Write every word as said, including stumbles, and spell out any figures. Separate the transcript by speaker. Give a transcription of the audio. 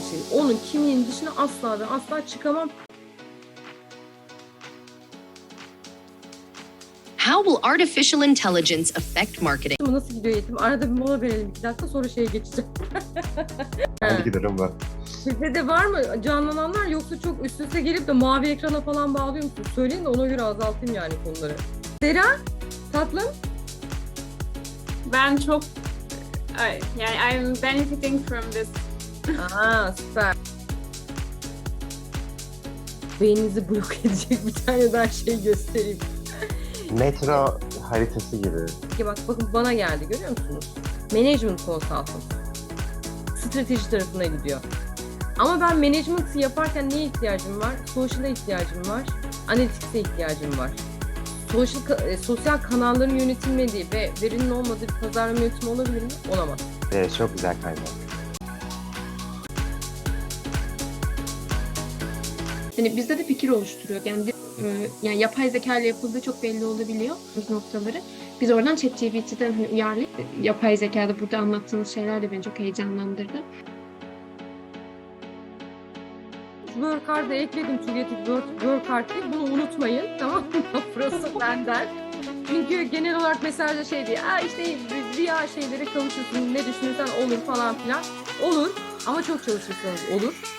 Speaker 1: şey. Onun kimliğinin dışına asla ve asla çıkamam.
Speaker 2: How will artificial intelligence affect marketing?
Speaker 1: Nasıl gidiyor eğitim? Arada bir mola verelim iki dakika, sonra şeye geçeceğim.
Speaker 3: Hangi giderim var?
Speaker 1: Sizde de var mı canlananlar, yoksa çok üst üste gelip de mavi ekrana falan bağlıyor musunuz? Söyleyin de ona göre azaltayım yani konuları. Sera, tatlım.
Speaker 4: Ben çok ay, yani I'm benefiting from this.
Speaker 1: Aa, süper. Beyninizi blok edecek bir tane daha şey göstereyim.
Speaker 3: Metro haritası gibi.
Speaker 1: Peki bak, bakın bana geldi, görüyor musunuz? Management consultant. Strateji tarafına gidiyor. Ama ben management'ı yaparken neye ihtiyacım var? Social'a ihtiyacım var. Analytics'e ihtiyacım var. Social, e, sosyal kanalların yönetilmediği ve verinin olmadığı bir pazarlama yönetimi olabilir mi? Olamaz.
Speaker 3: Evet, çok güzel kaynak.
Speaker 5: Hani bizde de fikir oluşturuyor. Yani, bir, e, yani yapay zeka ile yapıldığı çok belli olabiliyor bu noktaları. Biz oradan ChatGPT'den hani uyarlayıp yapay zekada burada anlattığınız şeyler de beni çok heyecanlandırdı.
Speaker 1: Workard'a ekledim, Tügetik Work, Workard değil. Bunu unutmayın, tamam mı? Burası benden. Çünkü genel olarak mesajda şey diye, Aa işte rüya şeylere kavuşursun, ne düşünürsen olur falan filan. Olur ama çok çalışırsanız olur.